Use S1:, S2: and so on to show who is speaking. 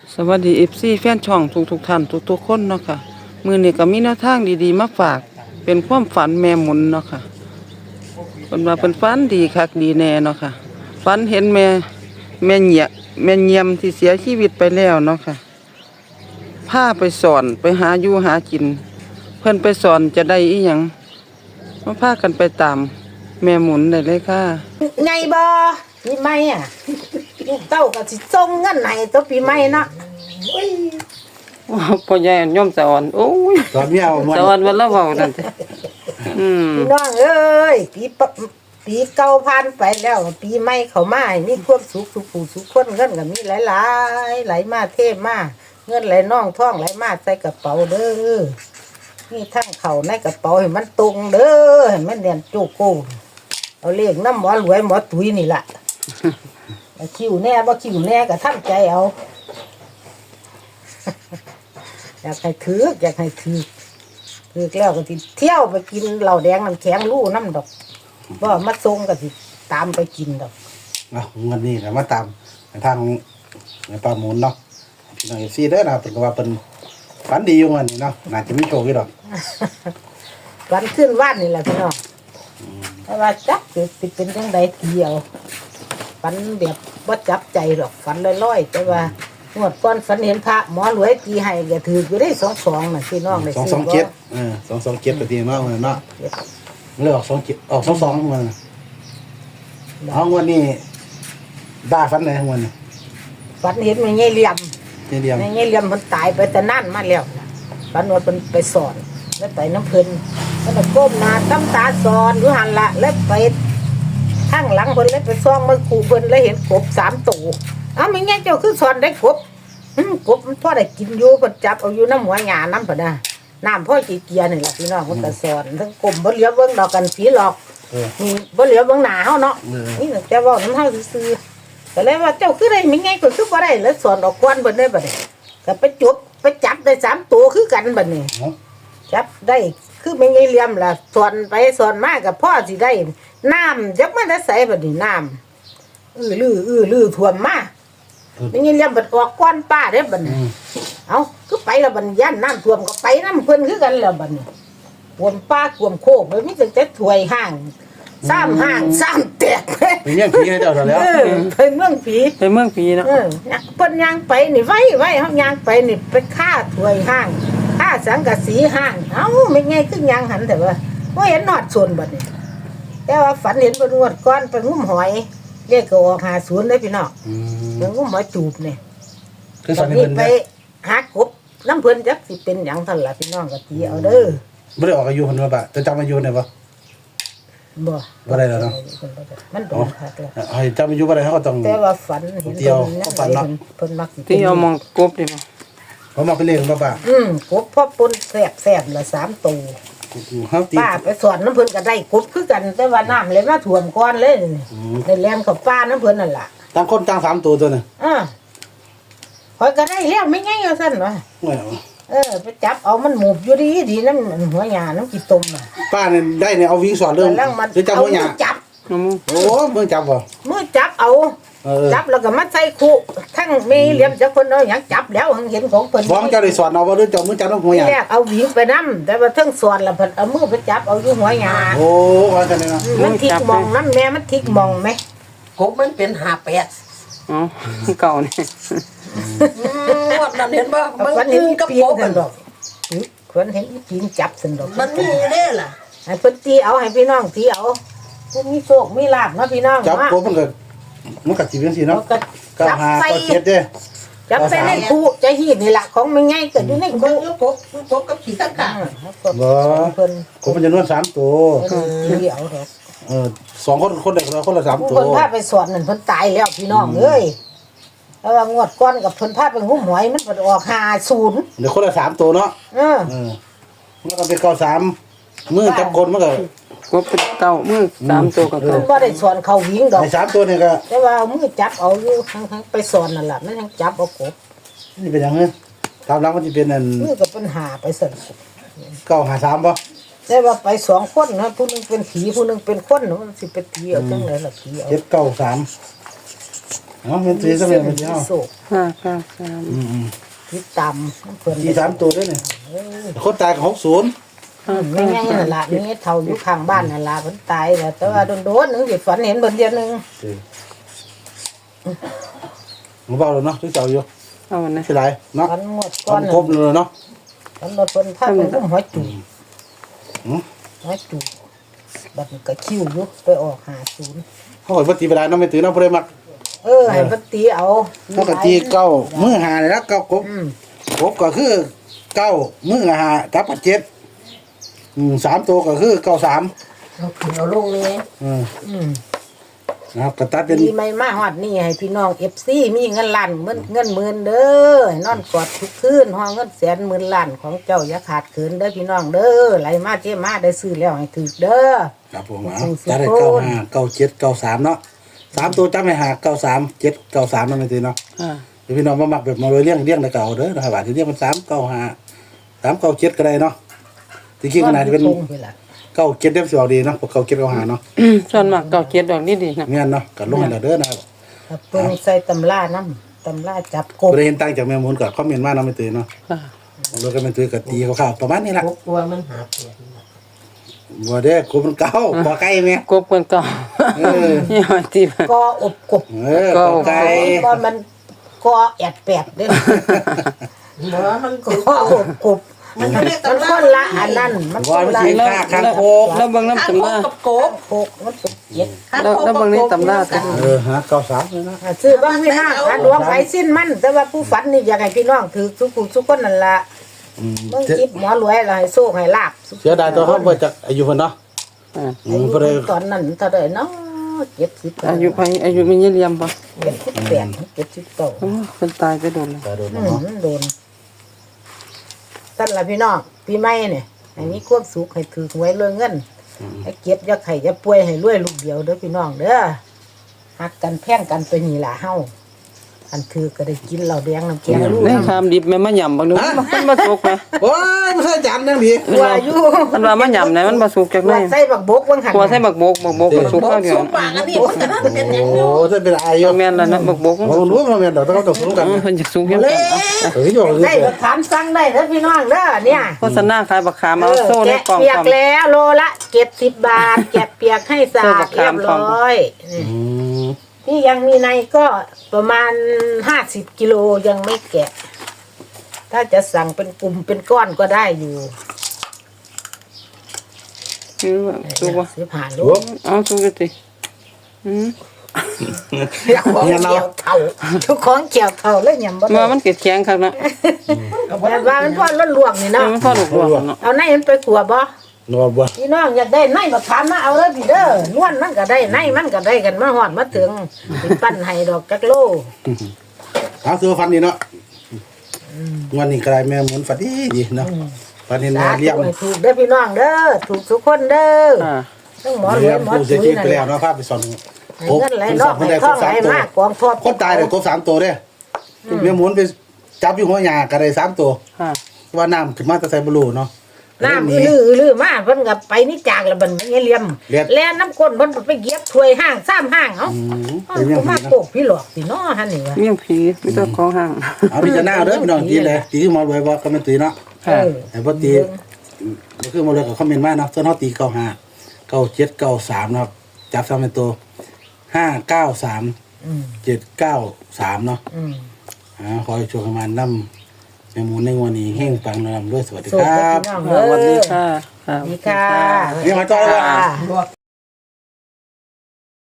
S1: สวัสดีFCแฟนช่องทุกท่านทุกคนเนาะค่ะมื้อนี้ก็มีแนวทางดีๆมาฝากเป็นความฝันแม่หมุนเนาะค่ะเพิ่นว่าเพิ่นฝันดีคักดีแน่เนาะค่ะฝันเห็นแม่เงียมที่เสียชีวิตไปแล้วเนาะค่ะพาไปสอนไปหาอยู่หากินเพิ่นไปสอนจะได้อีหยังมาพากันไปตามแม่หมุนได้เลยค่ะ
S2: ไงบ่ปีใหม่อ่ะลูกเต้าก็สิส่งเงินให้ตัวปีใหม่เนาะ
S1: พ่อใหญ่ย่อมสะอ่อนโอ้ย
S3: ตอนเมียมัน
S1: สะอ่อนวันละเว้านั่นติ
S2: พี่น้องเอ้ยปีเก่าผ่านไปแล้วปีใหม่เข้ามาให้มีความสุขสุขผู้สุขคนเงินก็มีหลายๆไหลมาเทมาเงินไหลน่องท่องไหลมาใส่กระเป๋าเด้อนี่ทั้งเข้าในกระเป๋าให้มันตรงเด้อให้มันเรียนโจโก้เอาเลขน้ำหมอรวยหมอตุ้ยนี่ล่ะคิวแน่บ่คิวแน่ก็ทำใจเอา อยากให้ถือแล้วก็สิเที่ยวไปกินเหล้าแดงน้ำแข็งลู่น้ำดอกบ่มาส่งก็สิตามไปกินดอก
S3: เงินนี่นะมาตามทางในปลาหมุนเนาะพี่น้องเอฟซีเด้อนะเป็นก็ว่าเป็นฝันดีอยู่วันนี้เนาะน่าจะมีโชคอยู่ดอก
S2: วันขึ้นว่านนี่แหละพี่น้องแต่ว่าจักสิเป็นจังใดเดียวฝันแบบบ่จับใจหรอกฝันลอยๆแต่ว่างวดก่อนฝันเห็นพระหมอรวยตีให้ก็ถืออยู่ได้22น่ะพี่น้องได้ซื้อบ่
S3: 227ก็ดีมากเลยเนาะเลือก27ออก22มันเอาวันนี้ด่าฝันไหนของมัน
S2: ฝันเห็นแม่ใหญ่เหลี่ยม
S3: นี่เดียว
S2: แม่ใหญ่เหลี่ยมมันตายไปแต่นานมาแล้วฝันว่าเพิ่นไปสอนแล้วไปน้ำเพิ่นแล้วก็ก้มหน้าตำตาสอนอยู่หั่นละแล้วไปข้างหลังเพิ่นเลยไปซ่องมือขู่เพิ่นแล้วเห็นกบ3ตัวอ้าวแม่ใหญ่เจ้าคือสอนได้กบกบมันพอได้กินอยู่เพิ่นจับเอาอยู่น้ำหัวหญ้าน้ำเพิ่นน่ะน้ำพ่อจีเกียนี่แหละพี่น้องเพิ่นก็สอนทั้งกลมบ่เหลียวเบิ่งดอกกันผีหลอกนี่บ่เหลียวเบิ่งหน้าเฮาเนาะนี่แต่เว้าน้ำเฮาซื่อๆก็เลยว่าเจ้าคือได้แม่ใหญ่ก็คือบ่ได้แล้วสอนออกก่อนเพิ่นได้บัดนี้ก็ไปจับได้3ตัวคือกันบัดนี้จับได้คือแม่ใหญ่เหลี่ยมล่ะสอนไปสอนมาก็พ่อสิได้น้ำจักมันได้ใส่บัดนี้น้ำลือท่วมมาแม่ใหญ่เหลี่ยมบัดออกก่อนป้าเด้บัดนี้เอ้าคือไปแล้วบัดย่านน้ำท่วมก็ไปน้ำเพิ่นคือกันแล้วบัดนี้ท่วมป้าท่วมโคกเลยมีแต่ถ้วยห้าง3ห้าง3แตก
S3: เป็นเรื่องผีให้เจ้าแล้ว
S2: ไปเมืองผี
S1: ไปเมืองผีเนาะ
S2: เพิ่นย่างไปนี่ไว้เฮาย่างไปนี่ไปฆ่าถ้วยห้างฆ่าสังกะสีห้างเอ้าไม่ไงคือย่างหันแต่ว่าบ่เห็นนอดชนบัดนี้แต่ว่าฝันเห็นเพิ่นงวดก่อนไปงุ้มหอยเรียกก็ออก50เด้อพี่น้องไปงุ้มหอยจูบนี่
S3: คือ
S2: ต
S3: ฝั
S2: อน น
S3: ใน
S2: นี้
S3: เพิ่น
S2: ไปหากบน้ำเพิ่นจักสิเป็นหยังซั่นล่ะพี่น้องก็ตีเอาเด้อ
S3: ไม่ได้ออกอายุคนว่าบะจะจำอายุได้ปะ
S2: บ่
S3: บ่ได้แล้วเนาะ
S2: มันโดนคักแล้ว
S3: ให้จำอายุบ่ได้เขาก็ต้อง
S2: แต่ว่าฝันเห็น
S3: เดียว
S2: ฝัน
S3: เนาะ
S2: เพิ่นมักสิ
S1: ที่เอามองกบดิบ่
S3: เขามาเป็นเลขบ่ปะ
S2: กบพ่อปนแสบละ3ตัว
S3: เฮาตี
S2: ป้าไปสอนน้ำเพิ่นก็ได้กบคือกันแต่ว่าน้ำเลยมาท่วมก่อนเลยได้แล่นเข้าป้าน้ำเพิ่นนั่นล่ะ
S3: ต่างคนต่าง3ตัวน่ะ
S2: ข่อยก็ได้แล้วไม่ง่ายเอาซั่นวะไปจับเอามันหมูบอยู่ดีน้ำหัวหญ้าน้ำกี่ตมน่ะ
S3: ป้าเนี่ยได้เนี่ยเอาวิ่งสอนเรื่อง
S2: แล้วมัน
S3: หรือจำ
S2: เอา
S3: หัวห
S2: มื
S3: ยา
S2: อจับ
S1: น้ำมู
S3: โอ้มึงจับบ่
S2: มือจับเอา จับแล้วก็มาใส่คุทั้งมีเหลี่ยมจักเพิ่นเอาหยังจับแล้วเห็นของเพิ่น
S3: ฟ้องเจ้าได้สอนเอาว่าหรือเจ้ามึงจับหัวหยา
S2: แรกเอาหวิงไปนำแต่ว่าเทั้งสอนแล้วเพิ่นเอามือไปจับเอาอยู่หัวหญ้า
S3: โอ้ว่ากันเลยนะ
S2: มันทิกมองน้ำแม่มันทิกมองไหม
S4: กบมันเป็น58
S1: อ๋อเก่านี่
S4: งวดนั้นเห็นบ่มัน
S2: ฝันเห็
S4: ยื
S2: น
S4: นกับ
S2: ปี
S4: ก
S2: น
S4: บ
S2: กันดอกฝันเห็นปีนจับสันดอก
S4: มันมีเด้ล่ะ
S2: ให้เพิ่นตีเอาให้พี่น้องตีเอาผู้มีโชคมีลาภเนาะพี่น้อง
S3: จับ
S2: เนาะ
S3: โกมันก็สิเป็นสิ
S2: เรา
S3: เนาะ
S2: ก็
S3: ก็
S2: จับ
S3: หา
S2: ใส่
S3: ก็เจ็ดเด้
S2: จับใส่ในคู่ใจหีดนี่ล่ะของมันง่ายเกิดอยู่ใน
S4: เบิ่
S2: คู่
S4: งอยู่กบกับขี้ตะกะ
S3: บ่
S2: เพิ่น
S3: ก็มันจำนวน3ตัว
S2: ตีเอาดอก
S3: 2คนได้คนละ3
S2: ผู้
S3: ตัว
S2: เพิ่นพาไปสอนนั่นเพิ่นตายแล้วพี่น้องเอ้ยแล้วว่างวดก่อนกับเพิ่นพาไปหุ้มหวยมันเพิ่นออก50
S3: เดี๋ยวคนละ3ตัวเนาะมันก็เป็น93มือจับคนมันก็
S1: กบเป็นเก่ามือ3ตัวก็
S2: เพิ่
S1: เก่าน
S2: บ่ได้สอนเขาวิ่งดอก
S3: ใน3ตัวนี่ก็
S2: แต่ว่าเอามือจับเอาอยู่ทั้งไปสอนนั่นล่ะมันทั้งจับเอากบ
S3: นี่เป็นหยังไงตามหลังมันสิเป็นอัน
S2: มือก็ปัญหาไปสั่น
S3: 953บ่
S2: แต่ว่าไป2คนนะผู้หนึงเป็นผีผู้หนึงเป็นคนมันสิไปตีเอาจังได๋ล่ะผีเอา
S3: 793 เอาเห็นสีซะเลยมันสิเอา
S2: โศก
S1: 593
S2: ที่ต่ำน้ำเพิ่น
S3: สี3ตัวด้วยนี่คนตายก็60
S2: ไม่ไงนั่นล่ะนี่เท่าอยู่ข้างบ้านนั่นล่ะเพิ่นตายแล้วแต่ว่าโดนๆนึงสิฝันเห็นเบิ่นเดียวนึง
S3: บ่เบาแล้วเนาะที่เจ้าอยู่
S1: เอาอันนั้น
S3: สิหลายเนาะ
S2: ฝันงวด
S3: ค
S2: ก่อน
S3: ครบเลยเนาะ
S2: ฝันรถเพิ่นพาไปอุ้มหัวจุก
S3: อือ
S2: หัวจุกบัดนี้ก็คิวอยู่ไปออก50
S3: เฮาก็บ่ตีเวลาเนาะไม่ตื่นเนาะบ่ได้มัก
S2: ให้เพิ่นตีเอา
S3: เฮาก็ตีเก้ามื้อหานี่ละเก้ากบ
S2: อืม
S3: กบก็คือเก้ามื้อหากับ73ตัวก็คือ93
S4: เอาขึ้นเอาลงเลย
S3: อืม
S2: อืม
S3: นะครับก็ตัดเป็น
S2: ปีใหม่มาฮอดนี่ให้พี่น้อง FC มีเงินล้านเงินหมื่นเด้อให้นอนกอดทุกคืนฮอเงินแสนหมื่นล้านของเจ้าอย่าขาดเขินเด้อพี่น้องเด้อไหลมาเจ้มาได้ซื้อแล้วให้ถูกเด้อ
S3: ครับผมตัดได้95 97 93เนาะ3ตัวจำให้หา93 7 93นั่นไม่ตื่นเนาะ
S1: อ่า
S3: เดี๋ยวพี่น้องมามักแบบมาเลยเลี้ยงแล้วก็เอาเด้อนะครับว่าสิเลี้ยงมัน395 397ก็ได้เนาะจริงๆขนาดที่เป็น
S2: ตรงไปล่ะ
S3: 97ได้สิออกดีเนาะพวก97 95เนาะ
S1: ส่วนมากเก่าเกียรดอกดีๆนะ
S3: แม่นเนาะก็ลงให้แล้วเด้อนะครับ
S2: ครับเพิ่นใส่ตำราน้ำตำราจับกบ
S3: บ่ได้เห็นตั้งจากแม่มูลก็คอมเมนต์มาเนาะไม่ตื่นเนาะ
S1: ค่ะ
S3: เราก็ไม่ตื่นก็ตีคร่าวๆประมาณนี้ล่ะ
S4: 6ตัวมันหาแปดนี่ล่ะ
S3: บ่ได้กูมันเก่าบ่ไกลแม่
S1: กบเพิ่นเก่า นี่ว่าที่
S2: ก็อบกบ
S3: ก็ไกล
S2: ก็มันก็แอดแปดเด้อ
S4: บ่มันก
S2: ก็อบกบ
S4: มันเรียก
S2: มัน
S4: ตำรา
S2: คนละอันนั้นมันค
S3: ว่าน มัน
S2: ละ
S3: สิค่าคางโคก
S1: แล้วเบิ่งน้ำ
S4: ข้าง
S1: ตำ
S4: โค
S1: ราก
S4: กับโกบ
S2: โคกมันเป็นเจ็ด
S1: แล้วเบิ่งนี่ตำราติ
S3: ฮะ93เลยนะ
S2: ซื้อบ้างพี่น้องอันดวงไฟสิ้นมันแต่ว่าผู้ฝันนี่อยากให้พี่น้องถือทุกผู้ทุกคนนั่นล่ะเบิ่งคลิปหมอรวยแล้วให้โชคให้ลาบ
S3: เสียดายตัวเขาบ่จักอายุเพิ่นเนาะ
S1: อ่า
S2: อายุ
S3: บ่ได้
S2: ตอนนั้นเท่าใดเนาะ70
S1: อายุไผอายุมีเยี่ยมบ่
S2: 78 79
S1: โอ้เพิ่นตายไปโดนแล้ว
S3: ตาโดน
S2: อื
S3: เนาะ
S2: มโดนสั่นล่ะพี่น้องปีใหม่เนี่ยให้มีความสุขให้ถือหวยรวยเงินให้เก็บอย่าไข่อย่าป่วยให้รวยลูกเดียวเด้อพี่น้องเด้อฮักกันแพงกันไปนี่ล่ะเฮาอันถือก็ได้กินเหล้าแดงน้ำแกงลูก
S1: นี่คามดิบแม่มาย่ำบักนึงมันบ่สุกนะ
S3: โอ้ยมันใช่จานนั่งดี
S2: ว่าอยู่
S1: มันว่ามาย่ำเนี่ยมันบ่สุกจักหน่
S2: ว่า
S1: อย
S2: ใส่บักบกวังหัน
S1: ตัวใส่บักบกก็สุก
S4: บ่
S1: ข้าวเดียว
S4: สุกปากอันนี้มันก็น่าจะเป็นหยัง
S3: โอ้
S4: อยู่
S3: ถ้าเป็นอายุ
S1: แม่นแล้วนะบักบก
S3: บ่รู้ว่าแม่นดอกต้องตกลงกัน
S1: เพิ่นอยากสุกยัง
S4: เละ
S3: เฮ้ยบอกเลย
S2: ได้บักขามสั่งได้เด้อพี่น้องเด้อเนี่ย
S1: โฆษณาขายบักขามเอาโซ่ใน
S2: แกะ
S1: กล่อง
S2: เปีย
S1: พ
S2: ก
S1: ร้อม
S2: แล้วโลละ70 บาทแกะเปียกให้สะอาดเรียบร้อยนี่
S3: อืม
S2: ที่ยังมีในก็ประมาณ50 กิโลยังไม่แกะ ถ้าจะสั่งเป็นกลุ่มเป็นก้อนก็ได้อยู่
S1: คือว่าสุกบ่
S2: ซื้อผ่านลู
S3: โอ้
S2: ก
S1: เอาสุกสิอืม
S2: ของเกี่ยวเท่าทุกของเกี่ยวเท่าแล้วยำบ่
S1: ว่า
S2: ได้
S1: มันเก็ดแข็งคักนะ
S2: แบบว่ามันพอล้นลวกนี่เนาะ
S1: มันพอลูกหลวงเนาะ
S2: เอาในมันไปขัวบ่
S3: นอนบ่
S2: พี่น้องอยากได้ในบักขามมาเอาเลยพี่เด้อนวลมันก็ได้ในมันก็ได้กันมาฮอดมาถึงสิปั้นให้ดอกจักโล
S3: เอาตัวฟันนี่เนาะวันนี้กลายแม่เหมือนฝันดีเนาะฝันเห็น
S2: สา
S3: แม่เลี้ยง
S2: ธุให้ถูกเด้อพี่น้องเด้อถูกทุกคนเด้อ
S1: อ่า
S2: ต้องหมอรว
S3: เลี้ย
S2: ย
S3: ง
S2: หมอ
S3: ผู้เสี
S2: จุ้
S3: ย
S2: ย
S3: ชีวิต
S2: นั่น
S3: ไป
S2: แห
S3: แล้ว
S2: ละ
S3: เนาะภาพไปสอน
S2: ให้เงินไหลนอกให้ท่องไหลมากกองทบ
S3: คนตายได้ครบ3ตัวเด้แม่หมุนไปจับอยู่หัวหญ้าก็ได้3ตัว
S1: ค่ะ
S3: ว่าน้ำขึ้นมาแต่ใส่บ่รู้เนาะ
S2: น้ำอื้อมาเพิ่นก็ไปนี่จากแล้วบัดนี้เหลี่ยมแล่น้ำก้นเพิ่นไปเหยียบถ้วยห้าง3ห้างเอ้า
S3: เป็นยัง
S2: ก็
S3: ไง
S2: มา
S3: นะ
S2: โกกพี่หลอกพี่น้อหั่นนี่ว่า
S1: เมี่ยงผีมีแต่ของห่าง
S3: เอาพิจารณาเด้อพี่น้องตีเลยตีที่มารวยบ่ก็ไม่ตีเนาะ
S1: ค่ะ
S3: แต่พอตีก็คือมาเลยกับคอมเมนต์มาเนาะส่วนเขาตี95 97 93นะครับจับซ้ำเป็นตัว593
S2: อืม
S3: 793เนาะ
S2: อืม
S3: ขอให้ช่วยประมาณนำแม่หมูในวันนี้เฮงปังนำด้วยสวัสดี
S2: สุข
S3: ครั
S2: เด้อบ พี่น้อง
S1: สวัส
S2: เด้
S1: ดี
S2: อ
S1: ค่ะ
S2: ดีค่ะ
S3: เรียกมาต่อเลยว่ะ
S2: ค่ะ
S4: ลวก